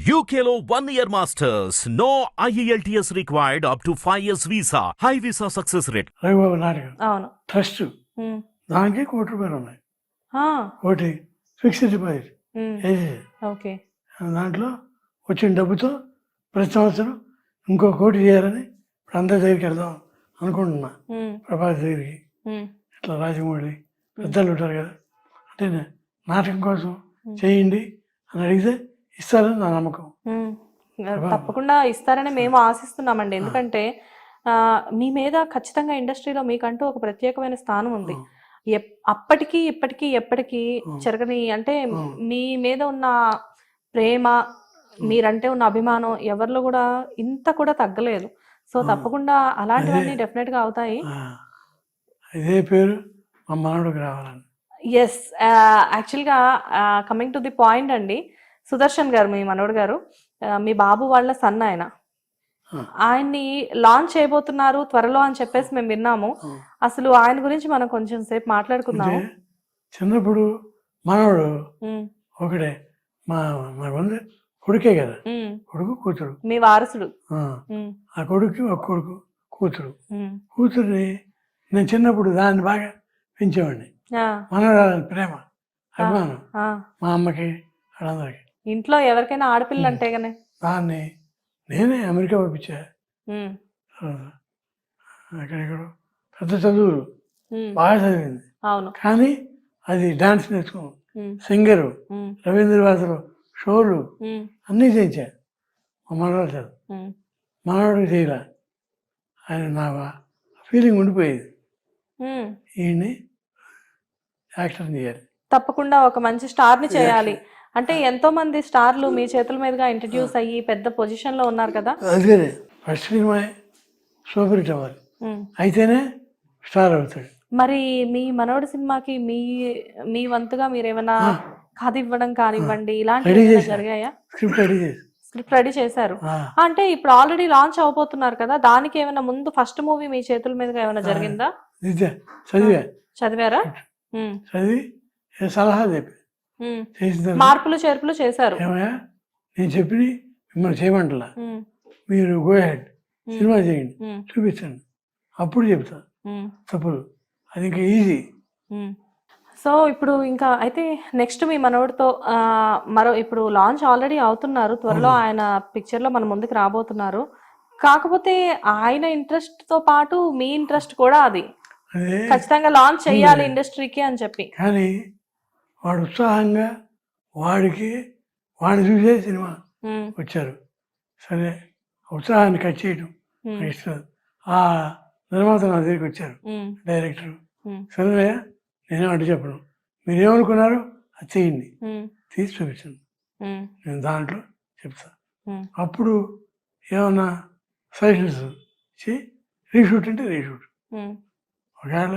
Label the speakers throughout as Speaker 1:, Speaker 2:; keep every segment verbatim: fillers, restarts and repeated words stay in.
Speaker 1: U K లో one year masters. No I E L T S required up to five years visa. High visa success rate.
Speaker 2: Ravibabu నాటకం
Speaker 3: అవును.
Speaker 2: Trust
Speaker 3: um.
Speaker 2: దానికి కోటి రూపాయలు ఉన్నాయి.
Speaker 3: ఆ,
Speaker 2: కోటి ఫిక్స్డ్ డిపాజిట్
Speaker 3: ఉమ్.
Speaker 2: వేసేది.
Speaker 3: ఓకే.
Speaker 2: దాంట్లో వచ్చిన డబ్బుతో ప్రతి సంవత్సరం ఇంకో కోటి చేయాలని ఇప్పుడు అందరి దగ్గరికి వెళ్దాం అనుకుంటున్నా.
Speaker 3: ఉమ్.
Speaker 2: ప్రభాస్ దగ్గరికి
Speaker 3: ఉమ్.
Speaker 2: ఇట్లా రాజమౌళి పెద్దలు ఉంటారు కదా, అంటే నే- నాటకం కోసం చేయండి అని అడిగితే ఇస్తారని నా నమ్మకం.
Speaker 3: ఉమ్. తప్పకుండా ఇస్తారని మేము ఆశిస్తున్నామండి. ఎందుకంటే ఆ, మీ మీద ఖచ్చితంగా ఇండస్ట్రీలో మీకంటూ ఒక ప్రత్యేకమైన స్థానం ఉంది. ఎప్- అప్పటికి ఇప్పటికీ ఎప్పటికీ చెరగని, అంటే మీ మీద ఉన్న ప్రేమ, మీరంటే ఉన్న అభిమానం ఎవరిలో కూడా ఇంత కూడా తగ్గలేదు. సో తప్పకుండా అలాంటివన్నీ డెఫినెట్ గా అవుతాయి.
Speaker 2: ఆ, ఇదే పేరు మా మనవడికి రావాలని.
Speaker 3: ఎస్, యాక్చువల్గా కమింగ్ టు ది పాయింట్ అండి, సుదర్శన్ గారు, మీ మనోడు గారు, ఆ, మీ బాబు వాళ్ళ సన్ ఆయన, ఆయన్ని లాంచ్ చేయబోతున్నారు త్వరలో అని చెప్పేసి మేము విన్నాము. అసలు ఆయన గురించి మనం కొంచెం సేపు మాట్లాడుకుందాము.
Speaker 2: అంటే చిన్నప్పుడు మనవడు
Speaker 3: ఉమ్,
Speaker 2: ఒకటే, మా మా వంద కొడుకే కదా,
Speaker 3: ఉమ్.
Speaker 2: కొడుకు కూతురు.
Speaker 3: మీ వారసుడు.
Speaker 2: ఆ,
Speaker 3: ఉమ్,
Speaker 2: ఆ కొడుకు ఒక కొడుకు కూతురు.
Speaker 3: ఉమ్.
Speaker 2: కూతుర్ని నేను చిన్నప్పుడు దాన్ని బాగా పెంచేవాడిని.
Speaker 3: ఆ,
Speaker 2: మనవరాలని ప్రేమ అభిమానం
Speaker 3: ఆ.
Speaker 2: మా అమ్మకి వాళ్ళందరికీ.
Speaker 3: ఇంట్లో ఎవరికైనా ఆడపిల్ల అంటే గానే.
Speaker 2: దాన్ని నేనే అమెరికా పంపించా.
Speaker 3: ఉమ్,
Speaker 2: ఎక్కడెక్కడో పెద్ద చదువులు
Speaker 3: ఉమ్.
Speaker 2: బాగా చదివింది,
Speaker 3: అవును.
Speaker 2: కానీ అది డాన్స్ నేర్చుకున్నాం,
Speaker 3: ఉమ్,
Speaker 2: సింగరు,
Speaker 3: ఉమ్,
Speaker 2: రవీంద్రవాసులు షోలు
Speaker 3: ఉమ్,
Speaker 2: అన్నీ చేయించా. మా మనవాడు చదువు
Speaker 3: ఉమ్.
Speaker 2: మనవాడికి చేయలే. ఆయన నా ఫీలింగ్ ఉండిపోయేది,
Speaker 3: ఉమ్.
Speaker 2: ఈయన్ని యాక్టర్ చేయాలి.
Speaker 3: తప్పకుండా ఒక మంచి స్టార్ ని చేయాలి. అంటే ఎంతో మంది స్టార్లు మీ చేతుల మీదుగా ఇంట్రడ్యూస్ అయ్యి పెద్ద పొజిషన్ లో ఉన్నారు కదా.
Speaker 2: అదే ఫస్ట్ సినిమా సూపర్ హిట్ అవ్వాలి,
Speaker 3: ఉమ్.
Speaker 2: అయితేనే స్టార్ అవుతాడు.
Speaker 3: మరి మీ మనోడి సినిమాకి మీ మీ వంతుగా మీరు ఏమైనా కథ ఇవ్వడం కానివ్వండి, ఇలాంటివి
Speaker 2: రెడీ
Speaker 3: ఏమైనా
Speaker 2: చేశా,
Speaker 3: జరిగాయా?
Speaker 2: స్క్రిప్ట్ రెడీ చేసి.
Speaker 3: స్క్రిప్ట్ రెడీ చేశారు.
Speaker 2: ఆ,
Speaker 3: అంటే ఇప్పుడు ఆల్రెడీ లాంచ్ అవబోతున్నారు కదా, దానికి ఏమైనా ముందు ఫస్ట్ మూవీ మీ చేతుల మీదుగా ఏమైనా జరిగిందా?
Speaker 2: నిజ చదివా,
Speaker 3: చదివారా? ఉమ్,
Speaker 2: చదివి ఏ సలహా చెప్పి
Speaker 3: ఉమ్.
Speaker 2: చేసిన తర్వాత,
Speaker 3: మార్పులు చేర్పులు చేశారు.
Speaker 2: ఏమయ్యా నేను చెప్పి మిమ్మల్ని చేయమంటలా,
Speaker 3: ఉమ్,
Speaker 2: మీరు గో హెడ్ సినిమా చేయండి,
Speaker 3: ఉమ్,
Speaker 2: చూపించండి, అప్పుడు చెప్తా
Speaker 3: ఉమ్,
Speaker 2: తప్పులు. అది ఇంకా ఈజీ.
Speaker 3: ఉమ్. సో ఇప్పుడు ఇంకా అయితే నెక్స్ట్ మీ మనోడితో ఆ, మరో ఇప్పుడు లాంచ్ ఆల్రెడీ అవుతున్నారు, త్వరలో ఆయన పిక్చర్ లో మన ముందుకు రాబోతున్నారు. కాకపోతే ఆయన ఇంట్రెస్ట్ తో పాటు మీ ఇంట్రెస్ట్ కూడా అది
Speaker 2: అదే
Speaker 3: ఖచ్చితంగా లాంచ్ చేయాలి ఇండస్ట్రీకి అని చెప్పి.
Speaker 2: కానీ వాడు ఉత్సాహంగా వాడికి వాడిని చూసే సినిమా
Speaker 3: ఉమ్,
Speaker 2: వచ్చారు. సరే ఉత్సాహాన్ని కట్ చేయడం
Speaker 3: ఉమ్,
Speaker 2: నాకు ఇష్టం. ఆ నిర్మాత నా దగ్గరికి వచ్చారు,
Speaker 3: ఉమ్,
Speaker 2: డైరెక్టర్.
Speaker 3: ఉమ్,
Speaker 2: సరేనయ్యా నేనే అడ్డు చెప్పను, మీరు ఏమనుకున్నారో అది చేయండి,
Speaker 3: ఉమ్,
Speaker 2: తీసి చూపించండి,
Speaker 3: ఉమ్,
Speaker 2: నేను దాంట్లో చెప్తా.
Speaker 3: ఉమ్,
Speaker 2: అప్పుడు ఏమన్నా సజెషన్స్ ఇచ్చి రీషూట్ అంటే రీషూట్.
Speaker 3: ఉమ్,
Speaker 2: ఒకవేళ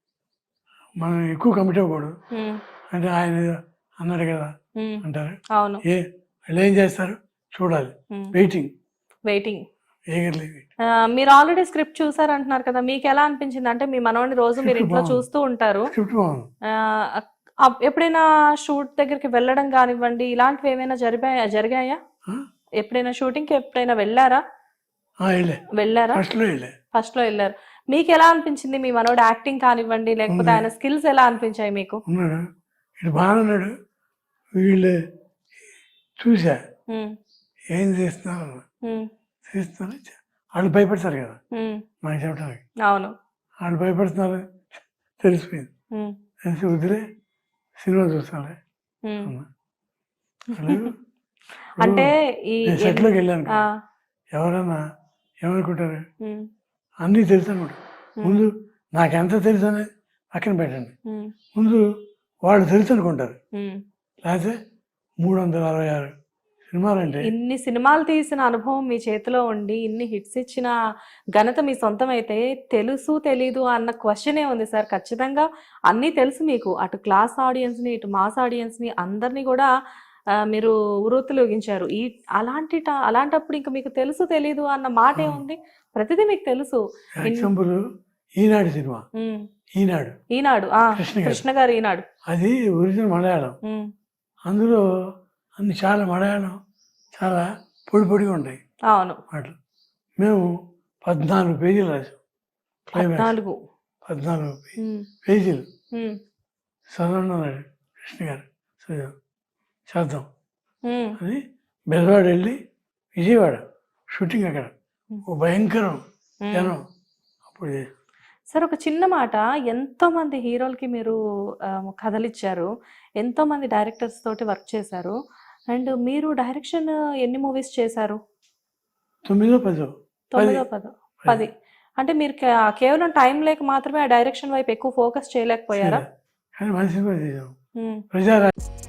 Speaker 2: మనం ఎక్కువ కమిట్ అవ్వకూడదు,
Speaker 3: ఉమ్,
Speaker 2: అంటే ఆయన ఏదో అన్నాడు కదా
Speaker 3: ఉమ్.
Speaker 2: అంటారు.
Speaker 3: అవును.
Speaker 2: ఏ వాళ్ళు ఏం చేస్తారు చూడాలి,
Speaker 3: ఉమ్.
Speaker 2: Waiting
Speaker 3: waiting.
Speaker 2: ఏగర్లీ.
Speaker 3: ఆ, మీరు ఆల్రెడీ స్క్రిప్ట్ చూసారు అంటున్నారు కదా, మీకు ఎలా అనిపించింది? అంటే మీ మనోడిని రోజు మీరు
Speaker 2: Script
Speaker 3: ఇంట్లో
Speaker 2: బాగుంది.
Speaker 3: చూస్తూ ఉంటారు.
Speaker 2: స్క్రిప్ట్ బాగుంది.
Speaker 3: ఆ, అప్- ఎప్పుడైనా షూట్ దగ్గరికి వెళ్ళడం కానివ్వండి, ఇలాంటివి ఏమైనా జరిగాయా జరిగాయా
Speaker 2: ఆ?
Speaker 3: ఎప్పుడైనా షూటింగ్ కి ఎప్పుడైనా వెళ్ళారా?
Speaker 2: ఆ, వెళ్ళే
Speaker 3: వెళ్ళారా?
Speaker 2: ఫస్ట్లో వెళ్ళే.
Speaker 3: ఫస్ట్ లో వెళ్ళారు. మీకు ఎలా అనిపించింది మీ మనోడు యాక్టింగ్ కానివ్వండి, లేకపోతే ఆయన స్కిల్స్ ఎలా అనిపించాయి మీకు?
Speaker 2: ఉన్నాడు ఇటు బాగా ఉన్నాడు. వీళ్ళు చూసా
Speaker 3: ఉమ్,
Speaker 2: ఏం చేస్తున్నారు అన్న.
Speaker 3: ఉమ్,
Speaker 2: చేస్తున్నారు, వాళ్ళు భయపడతారు కదా
Speaker 3: ఉమ్.
Speaker 2: నాకు చెప్పడానికి.
Speaker 3: అవును.
Speaker 2: వాళ్ళు భయపడుతున్నారు తెలిసిపోయింది.
Speaker 3: ఉమ్,
Speaker 2: తెలిసి వదిలే సినిమా చూస్తాను
Speaker 3: ఉమ్.
Speaker 2: అన్నా. వాళ్ళు
Speaker 3: అంటే ఈ
Speaker 2: నేను సెట్లోకి వెళ్ళాను
Speaker 3: ఆ,
Speaker 2: కదా, ఎవరన్నా ఏమనుకుంటారు,
Speaker 3: ఉమ్,
Speaker 2: అన్నీ తెలుసు అనుకుంటారు. ముందు నాకెంత తెలుసు అనేది పక్కన పెట్టండి,
Speaker 3: ఉమ్,
Speaker 2: ముందు వాళ్ళు తెలుసు అనుకుంటారు.
Speaker 3: ఉమ్.
Speaker 2: లేకపోతే మూడు వందల అరవై ఆరు సినిమాలంటే
Speaker 3: ఇన్ని సినిమాలు తీసిన అనుభవం మీ చేతిలో ఉండి ఇన్ని హిట్స్ ఇచ్చిన ఘనత మీ సొంతం అయితే తెలుసు తెలీదు అన్న క్వశ్చనే ఉంది సార్. ఖచ్చితంగా అన్నీ తెలుసు మీకు, అటు క్లాస్ ఆడియన్స్ని ఇటు మాస్ ఆడియన్స్ని అందరినీ కూడా ఆ, మీరు ఉరుతులుగించారు. ఈ అలాంటి ట- అలాంటప్పుడు ఇంకా మీకు తెలుసు తెలీదు అన్న మాట ఏముంది? ప్రతిదీ మీకు తెలుసు.
Speaker 2: ఎగ్జాంపుల్ ఈనాడు సినిమా,
Speaker 3: ఉమ్,
Speaker 2: ఈనాడు
Speaker 3: ఈనాడు ఆ,
Speaker 2: కృష్ణ గారు.
Speaker 3: కృష్ణ గారు ఈనాడు.
Speaker 2: అది ఒరిజినల్ మలయాళం.
Speaker 3: ఉమ్,
Speaker 2: అందులో అన్ని చాలా మలయాళం చాలా పొడి పొడిగా ఉంటాయి
Speaker 3: అవును.
Speaker 2: మాటలు. మేము పద్నాలుగు పేజీలు రాసాం క్లైమాక్స్.
Speaker 3: పద్నాలుగు.
Speaker 2: పద్నాలుగు పే-
Speaker 3: ఉమ్,
Speaker 2: పేజీలు
Speaker 3: ఉమ్,
Speaker 2: చదవన్నాడు కృష్ణ గారు. చదివాం చేద్దాం
Speaker 3: ఉమ్,
Speaker 2: అని బెజవాడ వెళ్ళి విజయవాడ షూటింగ్ అక్కడ ఓ భయంకరం
Speaker 3: ఉమ్.
Speaker 2: జనం అప్పుడు చేసాం.
Speaker 3: సార్ ఒక చిన్న మాట, ఎంతో మంది హీరోలకి మీరు ఆ, కథలు ఇచ్చారు, ఎంతో మంది డైరెక్టర్స్ తోటి వర్క్ చేశారు, అండ్ మీరు డైరెక్షన్ ఎన్ని మూవీస్ చేశారు?
Speaker 2: తొమ్మిదో పదో
Speaker 3: తొమ్మిదో పదో పది. అంటే మీరు కే- కేవలం టైం లేక మాత్రమే ఆ డైరెక్షన్ వైపు ఎక్కువ ఫోకస్ చేయలేకపోయారా?
Speaker 2: కానీ మంచి సినిమా చేసాం.
Speaker 3: ఉమ్.
Speaker 2: ప్రజారా